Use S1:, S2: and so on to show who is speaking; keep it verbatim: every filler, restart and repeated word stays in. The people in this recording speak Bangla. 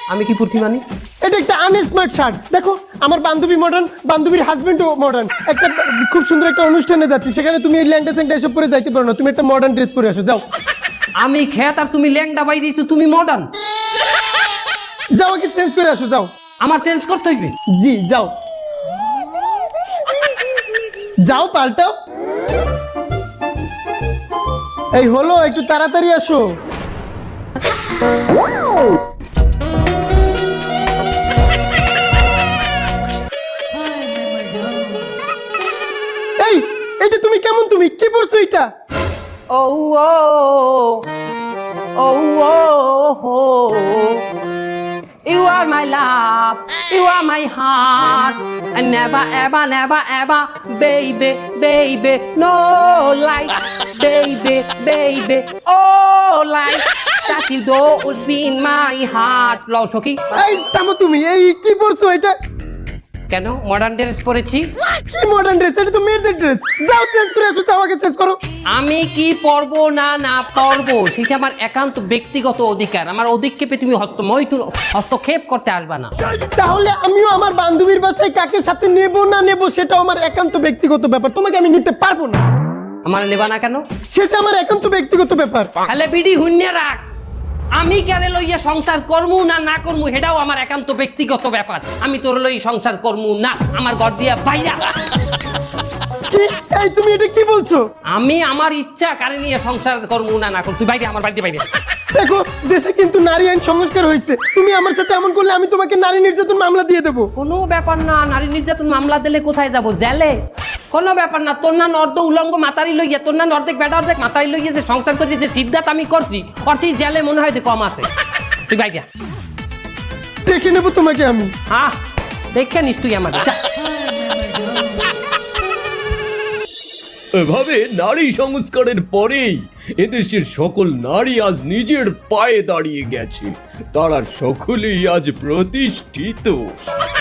S1: আমি কি পড়ছি মানে?
S2: এটা একটা আনস্মার্ট শার্ট। দেখো আমার বান্ধবী মডার্ন, বান্ধবীর হাজবেন্ডও মডার্ন। একটা খুব সুন্দর একটা অনুষ্ঠানে যাচ্ছি, সেখানে তুমি এই ল্যাংটা স্যাংটা এসব পরে যাইতে পারো না। তুমি একটা মডার্ন ড্রেস পরে আসো, যাও।
S1: আমি খেত আর তুমি ল্যাংডা বাই দিয়েছো, তুমি মডার্ন।
S2: যাও, আগে চেঞ্জ করে আসো, যাও।
S1: আমার চেঞ্জ করতে হইবে?
S2: জি যাও, যাও পাল্টাও। এই হলো, একটু তাড়াতাড়ি আসো। এই এটা তুমি কেমন, তুমি কি পড়ছো এটা?
S1: ও ও ও ও You are my love, you are my heart, and never ever never ever, baby, baby, no light, baby, baby, oh light, that you don't be in my heart. লও সখী।
S2: এই থামো, তুমি এই কি পড়ছো এটা?
S1: কেন মডার্ন ড্রেস পরেছি?
S2: কি মডার্ন ড্রেস? এটা তো মেয়েদের ড্রেস। যাও চেঞ্জ করে আসো, যাও আগে চেঞ্জ করো।
S1: আমি কি পরবো না না পরবো সেটা আমার একান্ত ব্যক্তিগত অধিকার। আমার অধিক্ষেপে তুমি হস্ত মৈথুন হস্তক্ষেপ করতে আসবা না।
S2: তাহলে আমিও আমার বান্ধবীর বাসায় কাকে সাথে নেব না নেব সেটা আমার একান্ত ব্যক্তিগত ব্যাপার, তোমাকে আমি নিতে পারবো না।
S1: আমার নেবা না কেন?
S2: সেটা আমার একান্ত ব্যক্তিগত ব্যাপার।
S1: তাহলে বিডি হুন্যে রাখ, আমি কেন লইয়া সংসার করমু না না করমু সেটাও আমার একান্ত ব্যক্তিগত ব্যাপার। আমি তোর লই সংসার করমু না, আমার ঘর দিয়া বাইরা।
S2: কি এই তুমি এটা কি বলছো?
S1: আমি আমার ইচ্ছা কারে নিয়ে সংসার করমু না না করমু, তুই বাইরে, আমার বাড়িতে বাইরে।
S2: দেখো দেশে কিন্তু নারী আইন সংস্কার হয়েছে, তুমি আমার সাথে এমন করলে আমি তোমাকে নারী নির্যাতন মামলা দিয়ে দেবো।
S1: কোনো ব্যাপার না, নারী নির্যাতন মামলা দিলে কোথায় যাব? জেলে। কোনো ব্যাপার না, তোর না অর্ধ উলঙ্গ মাতারি লইয়া, তোর না অর্ধেক বেটা অর্ধেক মাতারি লইয়া যে সংসার করছি, যে সিদ্ধাত আমি করছি, ওর সেই জেলে মনে হয় যে কম আছে। তুই বাইরে
S2: দেখে নেবো তোমাকে আমি।
S1: আহ দেখে নিস তুই আমার।
S3: এভাবে নারী সংস্কারের পরেই এদেশের সকল নারী আজ নিজের পায়ে দাঁড়িয়ে গেছে, তারা সকলেই আজ প্রতিষ্ঠিত।